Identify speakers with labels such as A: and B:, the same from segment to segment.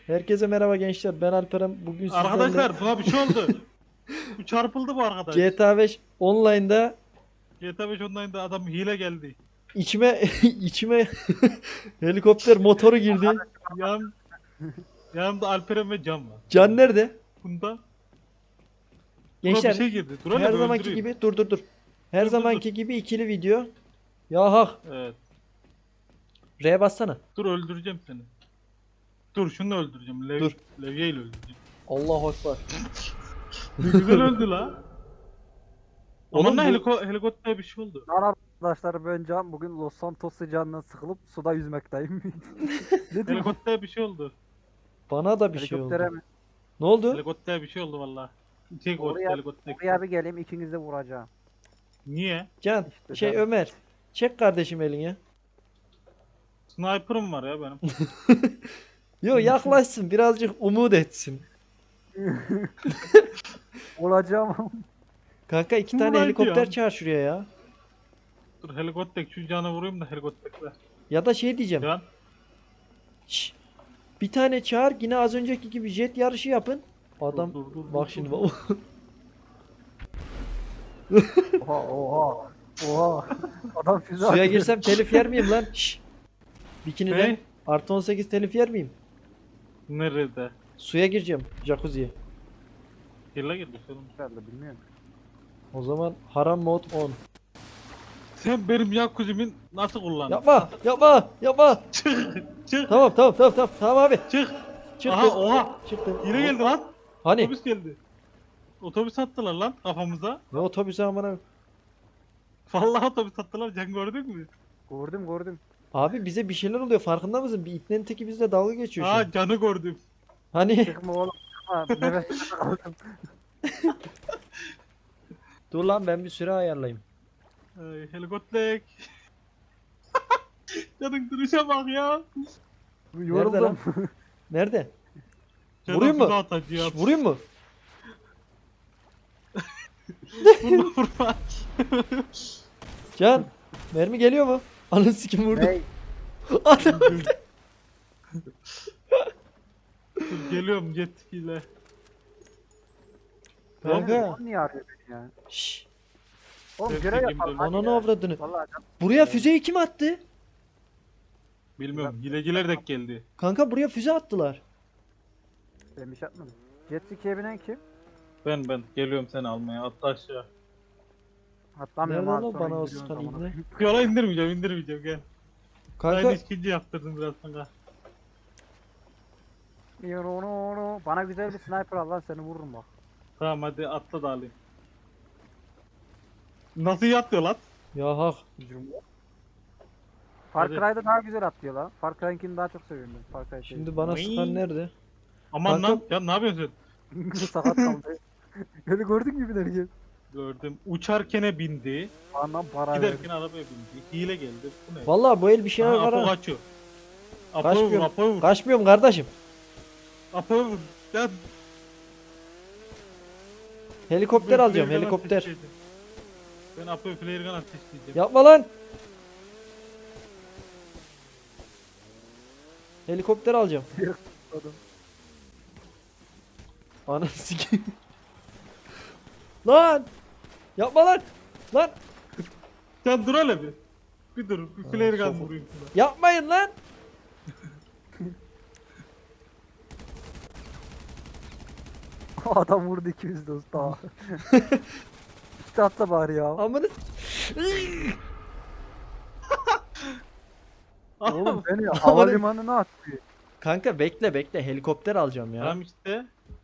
A: Herkese merhaba gençler. Ben Alperen. Bugün sizlerle
B: Arkadaşlar buna bir şey oldu. Bu çarpıldı bu arkadaş.
A: GTA 5 online'da
B: GTA 5 Online'da adam hile geldi.
A: içime içime helikopter motoru girdi.
B: Yan, yanımda Alperen ve Can var.
A: Can nerede?
B: Bunda buna bir
A: Gençler
B: şey girdi. Dur hele
A: her
B: bir
A: zamanki
B: öldüreyim.
A: gibi dur. Her
B: Dur.
A: zamanki gibi ikili video. Ya hak.
B: Evet.
A: R bassana.
B: Dur öldüreceğim seni. Dur şunu öldüreceğim.
A: Dur.
B: Levyeyle öldüreceğim.
A: Allahu ekber.
B: Ne güzel öldü la.
A: Oğlum
B: Aman ne
A: bu-
B: helikopter bir şey oldu.
C: Merhaba arkadaşlar, ben Can. Bugün Los Santos sıcağından sıkılıp suda yüzmekteyim. Ne diyeyim?
B: Helikopter bir şey oldu.
A: Bana da bir şey
C: Helikoptere
A: oldu.
C: mi?
A: Ne oldu?
B: Helikopter bir şey oldu valla. Çek o
C: Oraya,
B: helikopter.
C: oraya bir geleyim, ikinizi de vuracağım.
B: Niye?
A: Can
C: İşte
A: şey
C: can.
A: Ömer. Çek kardeşim elini.
B: Sniper'ım var ya benim.
A: Yo yaklaşsın birazcık umut etsin.
C: Olacağım.
A: Kanka iki tane
B: Ulan
A: helikopter
B: diyorum.
A: çağır şuraya ya.
B: Dur helikopter şu canı vurayım da helikopterle.
A: Ya da şey diyeceğim.
B: Can.
A: Şş, bir tane çağır yine az önceki gibi jet yarışı yapın. Adam
B: Dur,
A: bak
B: dur,
A: şimdi
B: dur.
A: bak.
C: Oha. Adam füze
A: Suya
C: atıyor.
A: girsem telif yer miyim lan? Şş. Bikiniden
B: Hey.
A: artı 18 telif yer miyim?
B: Nerede?
A: Suya gireceğim jacuzziye.
B: Girla girdi sorun.
C: Herhalde bilmiyorum.
A: O zaman haram mod 10.
B: Sen benim jacuzzimin nasıl kullandın?
A: Yapma.
B: Çık.
A: Tamam abi.
B: Çık.
A: Çıktı.
B: Aha oha.
A: Çıktı.
B: Yine geldi lan.
A: Hani?
B: Otobüs geldi. Otobüs attılar lan kafamıza.
A: Ne otobüsü amına?
B: Vallahi otobüs attılar. Can gördün mü?
C: Gördüm.
A: Abi bize bir şeyler oluyor farkında mısın? Bir ipnenin teki bizle dalga geçiyor şu an.
B: Aa Can'ı gördüm.
A: Hani?
C: Çıkma oğlum. Çıkma. Nefes aldım.
A: Dur lan ben bir süre ayarlayayım.
B: Helikopter. Can'ın duruşa bak ya.
C: Yoruldum.
A: Nerede?
B: Can'a
A: Vurayım mı?
B: füze atacağım.
A: Vurayım mı?
B: Vurma.
A: Can, mermi geliyor mu? Ananı sikim vurdu.
C: Ney?
A: Adam.
B: Dur, geliyorum jet ile.
A: Kanka.
C: Sen niye arıyor beni ya?
A: Şşş.
C: Oğlum
B: Sevgi
C: görev
B: kim
C: yapalım.
B: dönüyor?
C: hadi
A: Ananı
C: ya.
A: avradını.
C: Vallahi Can.
A: Buraya füzeyi kim attı?
B: Bilmiyorum hileciler de geldi.
A: Kanka buraya füze attılar.
C: Ben bir şey yapmadım. Jet ski'ye binen kim?
B: Ben geliyorum seni almaya atla aşağı.
C: Atlamıyorum
A: Nerede
C: abi,
A: lan
C: sonra
A: bana o
C: indiriyorsun
A: sıkan
C: amına.
A: ibne?
B: Yola indirmeyeceğim gel.
A: Kanka
B: Aynı işkence yaptırdım biraz sonra.
C: Bana güzel bir sniper al lan, seni vururum bak.
B: Tamam hadi atla da alayım. Nasıl yatıyor lan?
A: ya hak.
C: Far
B: Hadi.
C: Cry'da daha güzel atlıyor lan. Far Cry'ınkini daha çok seviyorum ben. Far Cry
A: Şimdi bana
B: Vıy.
A: sıkan nerede?
B: Aman
A: Kanka-
B: lan ya ne yapıyorsun sen?
C: sakat kaldı. Öyle gördün gibi nereye?
B: Gördüm. Uçarkene bindi.
C: Bana para ver.
B: Giderken arabaya bindi. Hile geldi. Bu ne?
A: Vallahi bu el bir şeyler
B: Aha,
A: var
B: Apo
A: ha.
B: kaçıyor. Apo'yu vur,
A: Kaçmıyorum.
B: Apo'yu vur.
A: Kaçmıyorum kardeşim.
B: Apo'yu vur. Ya,
A: Helikopter
B: ben
A: alacağım
B: flare gun
A: helikopter.
B: ateşleyeceğim. Ben Apo'yu flare gun ateşleyeceğim.
A: Yapma lan. Helikopter alacağım.
C: Adam.
A: Ananı sikeyim. Lan. Yapma lan. Lan.
B: Sen dur hele bir. Bir dur. Bir flare gun
A: sofu.
B: vurayım sana.
A: Yapmayın lan.
C: Adam vurdu ikimiz de usta. İşte atla bari ya.
A: Amını.
C: Oğlum beni havalimanına attı.
A: Kanka bekle helikopter alacağım ya.
B: Tamam işte.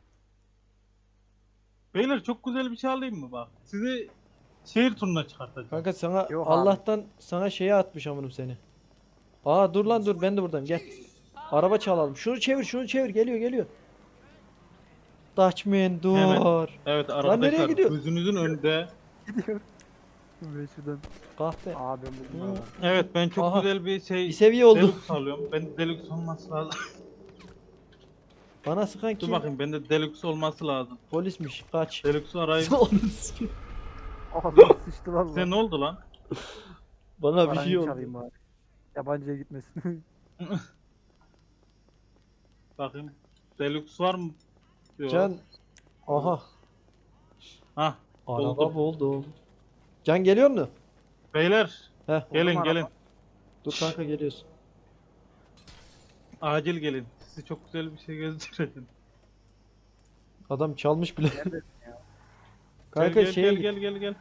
B: Beyler çok güzel bir şey alayım mı bak? Sizi şehir turuna çıkartacağım.
A: Kanka sana
C: Yok abi.
A: Allah'tan sana şeye atmış amınım seni. Aa dur lan dur ben de buradayım gel. Araba çalalım. Şunu çevir geliyor. Dutchman dur.
B: Hemen. Evet
A: nereye
B: arkadaşlar
A: gidiyor?
B: gözünüzün önünde.
C: Gidiyor. Ben şuradan.
A: Kahpe.
C: Abi ben buldum abi.
B: Evet ben çok
A: Aha.
B: güzel bir şey
A: Bir seviye oldu.
B: Deluxe alıyorum. Ben Deluxe olması lazım.
A: Bana sıkan
B: Dur
A: kim?
B: bakayım bende Deluxe olması lazım.
A: Polismiş. Kaç.
B: Deluxe'u arayayım.
A: Onu sikeyim.
C: Ağzına sıçtı lan.
B: Size ne oldu lan?
A: Bana bir
C: Paranı
A: şey oldu.
C: çalayım bari. Yabancıya gitmesin.
B: Bakayım. Deluxe var mı? Yok.
A: Can. Aha.
B: Hah.
A: Araba
B: Buldum.
A: buldum. Can geliyor mu?
B: Beyler
A: Heh.
B: gelin
C: araba.
B: gelin.
A: Dur kanka geliyorsun.
B: Acil gelin. Size çok güzel bir şey göstereceğim.
A: Adam çalmış bile.
C: Neredesin ya?
B: Gel
A: Kanka
B: gel
A: şeye
B: gel
A: git.
B: gel gel gel.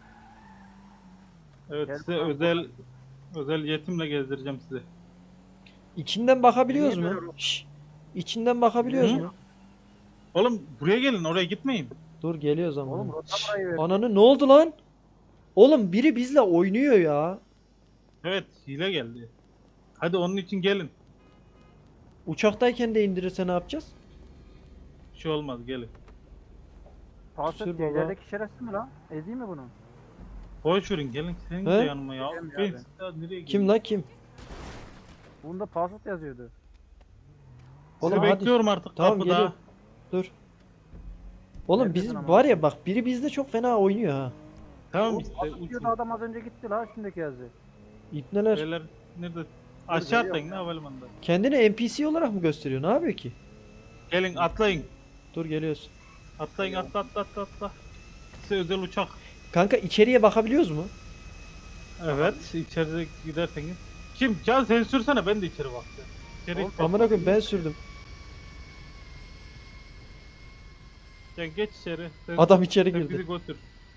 B: Evet
C: Gel
B: size
C: bakalım.
B: özel yetimle gezdireceğim sizi.
A: İçinden bakabiliyoruz
C: Niye
A: mu?
C: böyle oldu?
A: Şşş. İçinden bakabiliyoruz
B: Hı?
A: mu?
B: Oğlum buraya gelin oraya gitmeyin.
A: Dur geliyoruz ama.
C: Oğlum rota
A: Şşş.
C: burayı ver.
A: Ananı ne oldu lan? Oğlum biri bizle oynuyor ya.
B: Evet hile geldi. Hadi onun için gelin.
A: Uçaktayken de indirirse ne yapacağız?
B: Bir şey olmaz gelin.
C: Pasat
A: Sür baba.
C: ilerideki şerefsiz mi lan? Ezeyim mi bunu?
B: Boş verin gelin senin de
A: He?
B: yanıma ya.
C: Geleceğim
B: Ben
C: ya ben.
B: size nereye geleyim?
A: Kim lan kim?
C: Bunda pasat yazıyordu.
B: Sizi
A: Oğlum hadi.
B: bekliyorum artık
A: Tamam,
B: kapıda.
A: geliyorum. Dur. Oğlum
C: Neredesin
A: bizim
C: ama?
A: var ya bak biri bizde çok fena oynuyor ha.
B: Tamam
C: Oğlum
B: işte
C: pasat
B: uçun.
C: diyordu adam az önce gitti la üstündeki yazdı.
A: İpneler.
B: Beyler nerede? Aşağı
C: geliyorum
B: atlayın
C: ya.
B: ne havalimanında.
A: Kendini NPC olarak mı gösteriyor? Ne yapıyor ki?
B: Gelin atlayın.
A: Dur geliyoruz.
B: Atlayın atla. Size özel uçak.
A: Kanka içeriye bakabiliyoruz mu?
B: Evet içeride giderseniz. Kim? Can sen sürsene ben de içeri bakacağım. İçeri
C: Oğlum,
A: Amına koyayım ben sürdüm.
B: Can geç içeri. Sen,
A: Adam içeri
B: sen
A: girdi.
B: bizi götür.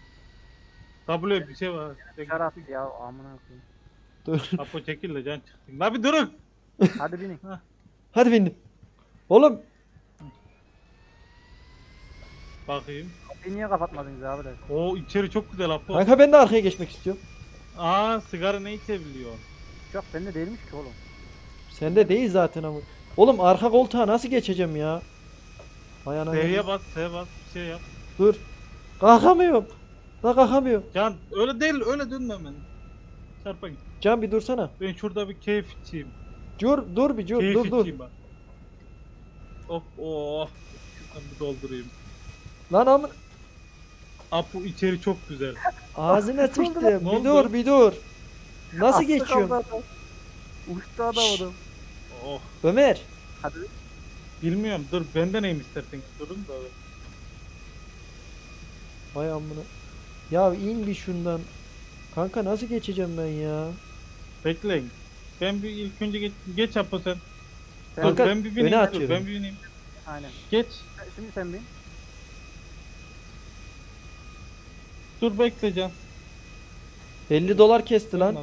B: W bir şey var. Sen
C: Şarap
B: git.
C: ya amına koyayım.
A: Dur.
B: Apo çekil de can çıksın. La bir durun.
C: Hadi binin.
A: Hadi bindim. Oğlum
B: Bakayım.
C: Kapıyı niye kapatmadınız abi de?
B: O içeri çok güzel Apo.
A: kanka ben de arkaya geçmek istiyorum.
B: Aa sigara ne içebiliyor?
C: Uçak bende değilmiş ki oğlum.
A: Sende değil zaten ama. Oğlum arka koltuğa nasıl geçeceğim ya? Hay anam.
B: S'ye bas, bir şey yap.
A: Dur. Kalkamıyorum. La kalkamıyorum.
B: Can öyle değil öyle dönme hemen. Çarpa git.
A: Can bir dursana.
B: Ben şurada bir keyif içeyim.
A: Dur bir
B: Keyif
A: dur.
B: içeyim bak. Hop oh. Şuradan bir doldurayım.
A: Lan amın
B: Apo içeri çok güzel.
A: ağzına
C: Ne oldu
A: sıçtım.
B: lan?
A: Bir
B: Ne
A: dur
B: oldu?
A: bir dur. Nasıl
C: Aslı
A: geçiyorum?
C: kaldı adam. Uçtu adam
A: Şşş.
C: adam.
B: Oh.
A: Ömer.
C: Hadi.
B: Bilmiyorum dur bende neyim istersen durun da.
A: Vay amına. Ya in bir şundan. Kanka nasıl geçeceğim ben ya?
B: Bekleyin. Ben bir ilk önce geç Apo sen.
C: Sen,
B: Dur
A: Kanka,
B: ben bir bineyim.
A: öne
B: Dur
A: atıyorum.
B: ben bir bineyim.
C: aynen.
B: Geç.
C: Şimdi sen bin.
B: Dur bekle Can.
A: 50 dolar kesti lan.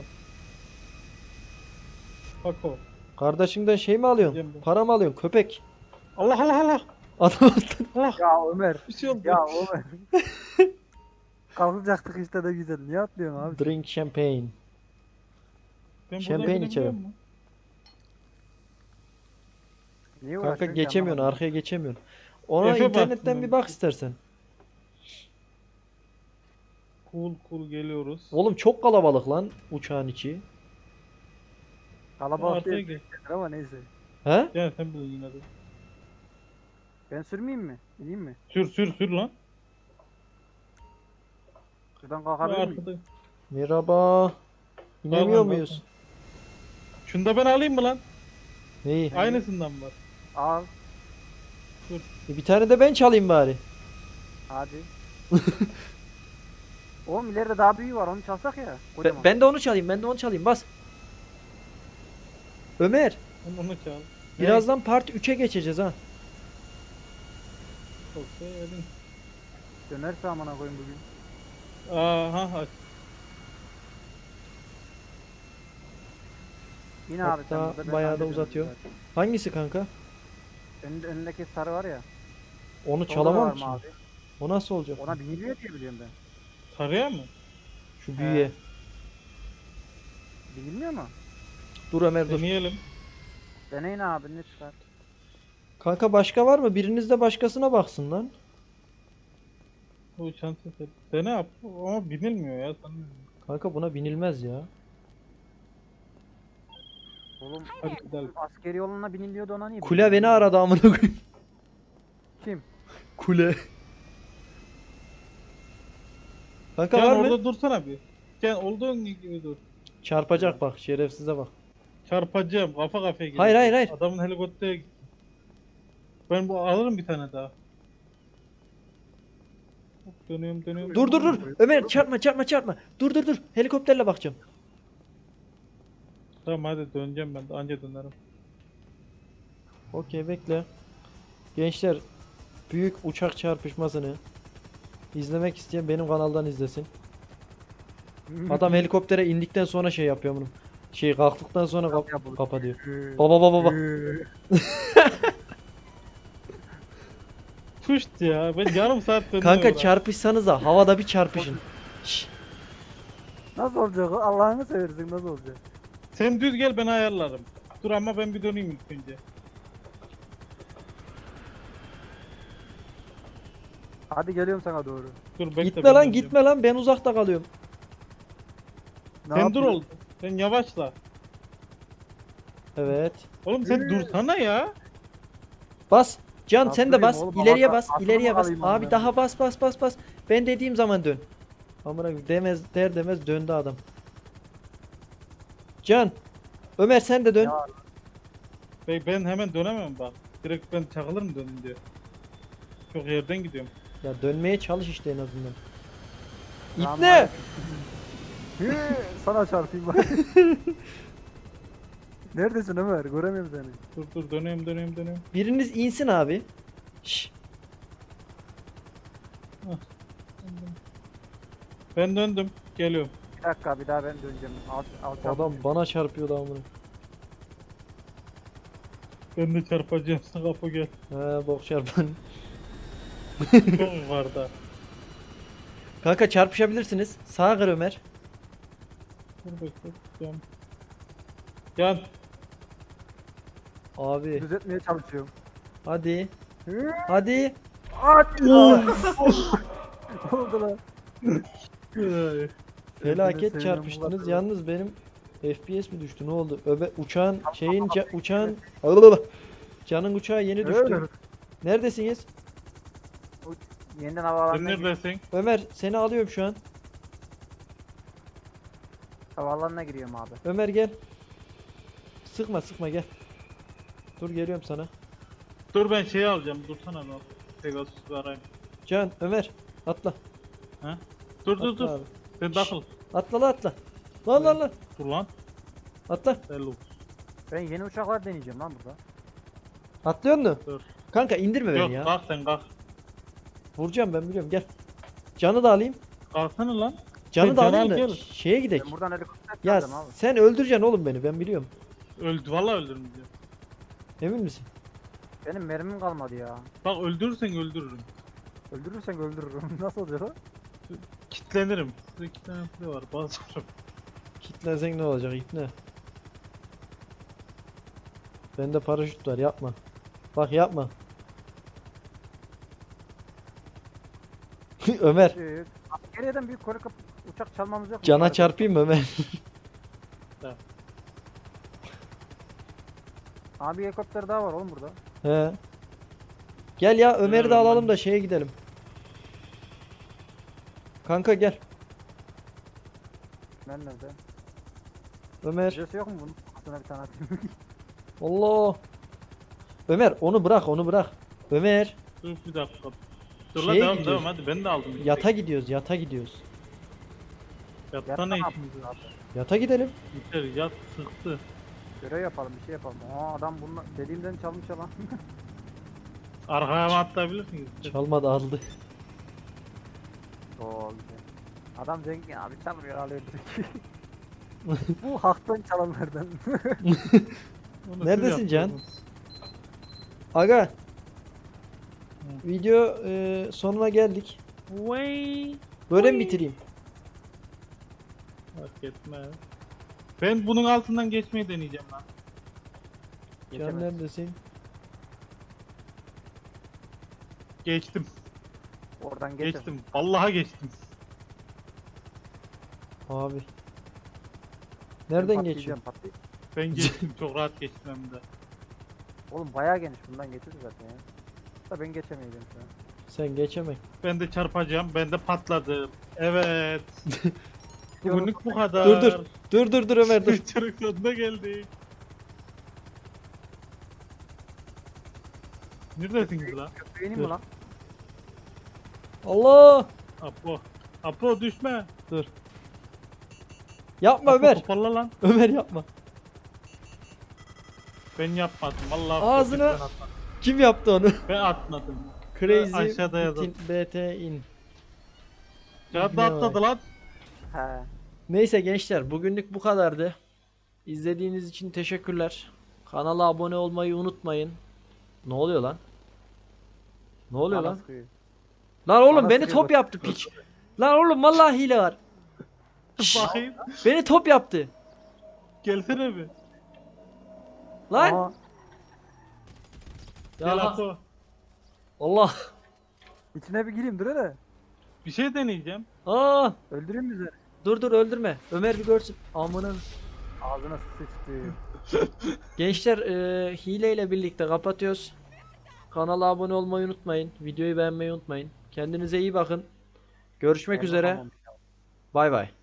B: Bak o.
A: Kardeşimden şey mi alıyorsun?
B: Yiyeceğim ben.
A: Para mı alıyorsun? Köpek.
B: Allah Allah Allah.
A: Adam
B: Allah.
C: Ya Ömer.
B: Bir şey oldu.
C: Ya Ömer. Kalkacaktık işte de güzel. Niye atlıyorsun abi?
A: drink champagne.
B: Ben buradan
A: şampanya
B: binebiliyor
A: içerim.
B: muyum?
C: Niye
A: Kanka
C: uğraşıyorsun ki
A: geçemiyorsun,
C: anlamadım.
A: arkaya geçemiyorsun. Ona
B: Efe
A: internetten
B: baksın.
A: bir bak istersen.
B: Cool geliyoruz.
A: Oğlum çok kalabalık lan uçağın içi.
C: Kalabalık
B: Arkaya
C: değil
B: gel.
C: ama neyse.
A: He?
B: Gel sen bil yine de.
C: Ben sürmeyeyim mi? İneyim mi?
B: Sür lan.
C: Şuradan kalkabilir miyim?
B: Arkada.
A: Merhaba. İnemiyor
B: Tamam,
A: muyuz?
B: Şunu da ben alayım mı lan?
A: Neyi?
B: Aynısından var.
C: Al.
A: Bir tane de ben çalayım bari.
C: Hadi. Oğlum ileride daha büyüğü var onu çalsak ya. Kocaman.
A: Ben de onu çalayım, ben de onu çalayım. Bas. Ömer,
B: Onu çal.
A: birazdan part 3'e geçeceğiz ha.
B: Çok sevdim.
C: Dönerse amına koyayım bugün.
B: Aha.
C: Yine abi sen
A: Hatta
C: burada ben
A: bayağı da
C: hallederim
A: uzatıyor.
C: zaten.
A: Hangisi kanka?
C: Önündeki sarı var ya.
A: Onu
C: solda da
A: çalamam
C: var
A: ki.
C: mı abi?
A: O nasıl olacak?
C: Ona biniliyor diye biliyorum ben.
B: Sarıya mı?
A: Şu büyüye.
C: Binilmiyor mu?
A: Dur Ömer dur.
B: Deneyelim.
C: Deneyin abi ne çıkar.
A: Kanka başka var mı? Biriniz de başkasına baksın lan.
B: Bu çanta set. Dene yap. Ama binilmiyor ya.
A: Kanka buna binilmez ya.
C: Oğlum
B: Hadi gidelim.
C: askeri yoluna biniliyordu ona niye
A: Kule
C: binilmiyor?
A: beni aradı amına koyayım.
C: Kim?
A: Kule. Kanka
B: Gel
A: var mı?
B: orada dursana bir. Gel olduğun gibi dur.
A: Çarpacak bak şerefsize bak.
B: Çarpacağım. Kafa kafaya gidiyor.
A: Hayır.
B: Adamın helikoptere gitti. Ben bu alırım bir tane daha. Hop, dönüyorum.
A: Dur. Ömer çarpma. Dur. Helikopterle bakacağım.
B: Tamam hadi döneceğim ben de anca dönerim.
A: Okey bekle. Gençler büyük uçak çarpışmasını izlemek isteyen benim kanaldan izlesin. Adam helikoptere indikten sonra şey yapıyor bunu. Şey kalktıktan sonra kapa diyor. Baba.
B: Puşt ya ben yarım saat döndüm.
A: Kanka
B: oraya.
A: çarpışsanıza havada bir çarpışın. Şşş.
C: Nasıl olacak o? Allah'ını seversin nasıl olacak?
B: Sen düz gel ben ayarlarım. Dur ama ben bir döneyim ilk önce.
C: Hadi geliyorum sana doğru.
B: Dur bekle.
A: Gitme
B: ben
A: lan
B: döneceğim.
A: gitme lan ben uzakta kalıyorum.
C: Ne
B: Sen dur
C: yapıyorsun?
B: ol. Sen yavaşla.
A: Evet.
B: Oğlum sen dursana ya.
A: Bas. Can
C: Nasıl
A: sen de
C: durayım
A: bas.
C: oğlum?
A: İleriye
C: Havada
A: bas.
C: aklımı
A: İleriye bas.
C: alayım
A: Abi
C: ondan.
A: daha bas. Ben dediğim zaman dön. Amına koyayım, demez döndü adam. Can. Ömer sen de dön.
C: Ya.
B: Ben hemen dönemem bak. Direkt ben çakılırım dönünce. Çok yerden gidiyorum.
A: Ya dönmeye çalış işte en azından.
C: Lan
A: İpne.
C: Hı, sana çarpayım bak. Neredesin Ömer? Göremiyorum seni.
B: Dur dönüyorum.
A: Biriniz insin abi. Şş.
B: Ben döndüm. Geliyorum.
C: Bir dakika bir daha ben döneceğim. Al
A: Adam bana çarpıyordu amına.
B: Ben de çarpacağım. Sen kapı gel.
A: He bok çarpan.
B: Çok yukarıda.
A: Kanka çarpışabilirsiniz. Sağa kır Ömer.
B: Dur bekle. Yan.
A: Abi
C: düzeltmeye çalışıyorum.
A: hadi.
C: Hı,
A: Hadi.
C: Hadi lan. Ne oldu lan?
B: Ay.
A: Felaket
C: Seni
A: çarpıştınız.
C: sevdim,
A: Yalnız benim FPS mi düştü? Ne oldu? Uçağın şeyin
C: Allah.
A: uçağın Can'ın uçağı yeni düştü.
C: Ömer.
A: Neredesiniz?
C: Yeniden
B: Sen
C: havalanına giriyorum.
B: neredesin?
A: Ömer seni alıyorum şu an.
C: Havalanına giriyorum abi.
A: Ömer gel. Sıkma gel. Dur geliyorum sana.
B: Dur ben şeyi alacağım. Dursana lan. Pegasus'u arayayım.
A: Can Ömer atla.
B: Dur
A: Atla abi.
B: Sen takıl.
A: Atla. Lan.
B: Dur lan.
A: Atla.
B: Hello.
C: Ben yeni uçaklar deneyeceğim lan burada.
A: Atlıyor musun?
B: Dur.
A: Kanka indirme
B: Yok
A: beni ya.
B: kalk sen kalk.
A: Vuracağım ben biliyorum gel. Canı da alayım.
B: Kalksana lan.
A: Canı da
B: Canı
A: alayım
B: al,
A: da
B: gel.
A: şeye gidek.
C: Ben buradan helikopter
A: Ya
C: çalacağım abi.
A: sen öldüreceksin oğlum beni ben biliyorum.
B: Öldü vallahi öldürmeyeceğim.
A: Emin misin?
C: Benim mermim kalmadı ya.
B: Bak öldürürsen öldürürüm.
C: Öldürürsen öldürürüm. Nasıl olacak o?
B: Kitlenirim. Size 2 tane pil var. Basarım.
A: Kitlensen ne olacak ipne? Bende paraşüt var yapma. Bak yapma. Ömer.
C: Geriden büyük uçak çalmamız yok mu?
A: Cana
C: Bari-
A: çarpayım mı Ömer?
C: Abi bir helikopter daha var oğlum burada.
A: He. Gel ya Ömer'i de
B: Ömer,
A: alalım
B: ben-
A: da şeye gidelim. Kanka gel.
C: Ben nerede?
A: Ömer.
C: Birisi yok mu bunun? Aslında bir tane atayım.
A: Allah. Ömer onu bırak. Ömer.
B: Dur bir dakika. Dur
A: Şeye
B: lan devam
A: gidiyoruz.
B: hadi ben de aldım.
A: Yata gidiyoruz.
B: Yatta
C: Yatta
B: ne
C: ne
B: işimiz
C: yapıyoruz
B: var?
C: abi?
A: Yata gidelim.
B: Yeter yat sıktı.
C: Görev yapalım bir şey yapalım. Aa adam bunu dediğimden çalmış ya lan.
B: Arkaya mı atlayabilirsiniz?
A: Çalmadı aldı.
C: Oo güzel. Adam zengin abi çalmıyor alıyor direkt. Bu haktan çalanlardan.
B: Onu siz
A: Neredesin Can?
B: yapıyorsunuz.
A: Aga. Video sonuna geldik.
B: Vay.
A: Böyle mi bitireyim?
B: Fark etmez. Ben bunun altından geçmeyi deneyeceğim lan.
A: Can
C: Geçemez.
A: neredesin?
B: Geçtim.
C: Oradan geçer.
B: Geçtim. Vallahi geçtim.
A: Abi.
C: Ben
A: Nereden
C: patlayacağım,
A: geçiyorsun?
B: Ben geçtim. Çok rahat geçtim hem de.
C: Oğlum bayağı geniş bundan geçeriz zaten ya. Da ben geçemeyeceğim şu an.
A: Sen geçemek.
B: Ben de çarpacağım. Ben de patladım. Evet. Bugünlük bu kadar.
A: Dur Ömer dur.
B: Çarık sonuna geldik. Neredesiniz lan?
C: Köpeğinin mi
A: Dur.
C: lan?
A: Allah!
B: Apo. Apo düşme.
A: Dur. Yapma
B: Apo
A: Ömer.
B: toparla lan.
A: Ömer yapma.
B: Ben yapmadım. Vallahi
A: Ağzına-
B: ben atmadım.
A: Kim yaptı onu?
B: Ben atmadım.
A: Crazy
B: Aşağıda yazın.
A: BT in.
B: Kağıt
A: Ne
B: atladı lan.
C: He.
A: Neyse gençler, bugünlük bu kadardı. İzlediğiniz için teşekkürler. Kanala abone olmayı unutmayın. Ne oluyor lan? Ne oluyor
C: Bana
A: lan?
C: sıkıyor.
A: Lan oğlum
C: Bana
A: beni
C: sıkıyor
A: top
C: bak.
A: yaptı piç. Lan oğlum vallahi hile var. Şşş,
B: Bakayım.
A: beni top yaptı.
B: Gelsene bir.
A: Lan.
C: Aa,
B: Gel
A: Ya
B: Apo.
A: Allah.
C: içine bir gireyim dur hele.
B: Bir şey deneyeceğim.
A: Aa,
C: Öldüreyim mi seni?
A: dur öldürme. Ömer bir görsün. Amına.
C: Ağzına sıçtı.
A: Gençler hileyle birlikte kapatıyoruz. Kanala abone olmayı unutmayın. Videoyu beğenmeyi unutmayın. Kendinize iyi bakın. Görüşmek üzere.
C: Anlamamış.
A: Bay bay.